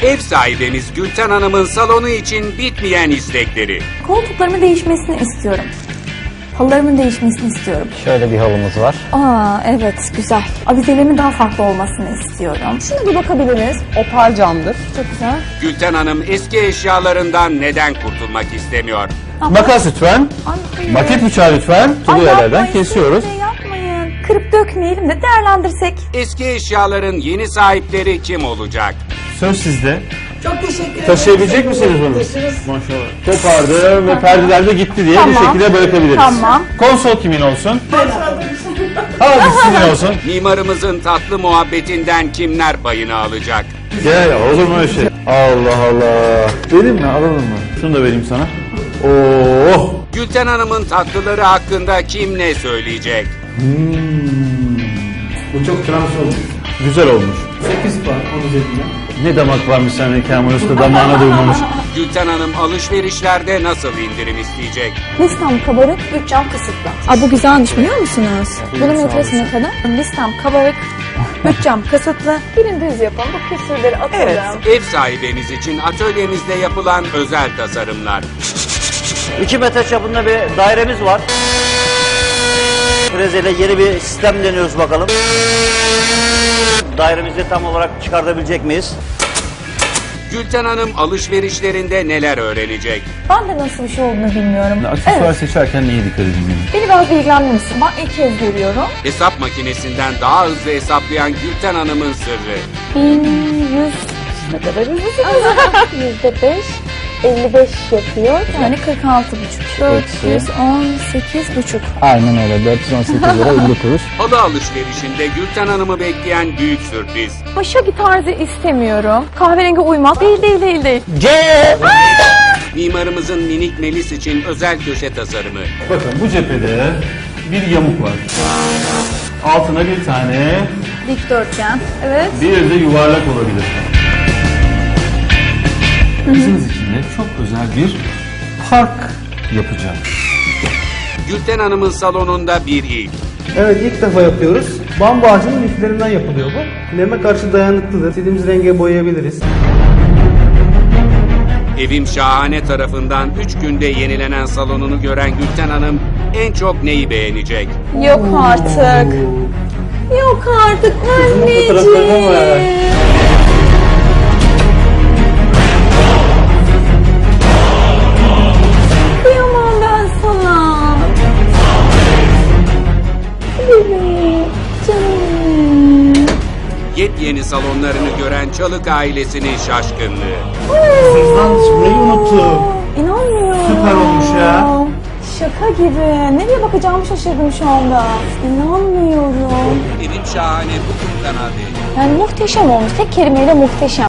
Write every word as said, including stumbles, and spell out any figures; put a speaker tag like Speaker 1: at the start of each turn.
Speaker 1: Ev sahibimiz Gülten Hanım'ın salonu için bitmeyen istekleri.
Speaker 2: Koltuklarımın değişmesini istiyorum. Halılarımın değişmesini istiyorum.
Speaker 3: Şöyle bir halımız var.
Speaker 2: Aa evet güzel. Avizelerimin daha farklı olmasını istiyorum. Şuna bir bakabiliriz.
Speaker 4: Opar camdır.
Speaker 2: Çok güzel.
Speaker 1: Gülten Hanım eski eşyalarından neden kurtulmak istemiyor?
Speaker 3: Makas lütfen.
Speaker 2: Ay, hayır.
Speaker 3: Maket bıçağı lütfen. Tulu
Speaker 2: Ay,
Speaker 3: yerlerden
Speaker 2: yapmayın,
Speaker 3: kesiyoruz.
Speaker 2: siz de yapmayın. Kırıp dökmeyelim de değerlendirsek.
Speaker 1: Eski eşyaların yeni sahipleri kim olacak?
Speaker 3: Söz sizde.
Speaker 5: Çok teşekkür ederim.
Speaker 3: Taşıyabilecek misiniz bunu? Maşallah. Kopardı ve perdeler de gitti diye bir
Speaker 2: Tamam.
Speaker 3: şekilde bırakabiliriz.
Speaker 2: Tamam.
Speaker 3: Konsol kimin olsun? Hadi sizin olsun.
Speaker 1: Mimarımızın tatlı muhabbetinden kimler payını alacak?
Speaker 3: Gel olur mu öyle şey? Allah Allah. Vereyim mi alalım mı? Şunu da vereyim sana. Oo.
Speaker 1: Gülten Hanım'ın tatlıları hakkında kim ne söyleyecek?
Speaker 6: Bu çok trans olmuş.
Speaker 3: Güzel olmuş.
Speaker 6: sekiz puan onun üzerinden.
Speaker 3: Ne damak varmış sende Kemal Usta, damağına duymamış.
Speaker 1: Gülten Hanım alışverişlerde nasıl indirim isteyecek?
Speaker 2: Listem kabarık, bütçem kısıtlı. Aa, bu güzelmiş biliyor musunuz? Bunun metresi ne kadar? Listem kabarık, bütçem kısıtlı. Birini düz yapalım, bu küsürleri atalım.
Speaker 1: Ev sahibimiz için atölyemizde yapılan özel tasarımlar.
Speaker 7: iki metre çapında bir dairemiz var. Frezeyle yeni bir sistem deniyoruz bakalım. Dairemizi tam olarak çıkartabilecek miyiz?
Speaker 1: Gülten Hanım alışverişlerinde neler öğrenecek?
Speaker 2: Ben de nasıl bir şey olduğunu bilmiyorum.
Speaker 3: Aksesuar
Speaker 2: Evet,
Speaker 3: seçerken neye dikkat edin benim?
Speaker 2: beni biraz bilgilendirir misin? Ben ilk kez görüyorum.
Speaker 1: Hesap makinesinden daha hızlı hesaplayan Gülten Hanım'ın sırrı.
Speaker 2: bin yüz ne kadar hızlı? Yüzde beş, elli beş yapıyor. Yani kırk altı buçuk. dört yüz on sekiz buçuk.
Speaker 3: Aynen öyle. dört yüz on sekiz lira elli kuruş.
Speaker 1: Halı alışverişinde Gülten Hanım'ı bekleyen büyük sürpriz.
Speaker 2: Başaki tarzı istemiyorum. Kahverengi uymaz. Değil değil değil değil.
Speaker 7: C.
Speaker 1: Mimarımızın minik Melis için özel köşe tasarımı.
Speaker 3: Bakın bu cephede bir yamuk var. Altına bir tane,
Speaker 2: Dikdörtgen. Evet.
Speaker 3: bir de yuvarlak olabilir. Kızınız için de çok özel bir park yapacağım.
Speaker 1: Gülten Hanım'ın salonunda bir ilk.
Speaker 6: Evet, ilk defa yapıyoruz. Bambu ağacının liflerinden yapılıyor bu. Neme karşı dayanıklıdır. İstediğimiz renge boyayabiliriz.
Speaker 1: Evim Şahane tarafından üç günde yenilenen salonunu gören Gülten Hanım en çok neyi beğenecek?
Speaker 2: Yok artık. Yok artık
Speaker 6: fotoğraflarına var.
Speaker 2: anneciğim. Kıyamam ben sana. Bebeğim, canım.
Speaker 1: Yepyeni salonlarını gören Çalık ailesinin şaşkınlığı.
Speaker 6: Cüzdan düşmeyi unuttum.
Speaker 2: İnanmıyorum.
Speaker 6: Süper olmuş ya.
Speaker 2: Şaka gibi. Nereye bakacağımı şaşırdım şu anda. İnanmıyorum.
Speaker 1: Evim Şahane bugün Kanal D'de.
Speaker 2: Yani muhteşem olmuş. Tek kelimeyle muhteşem.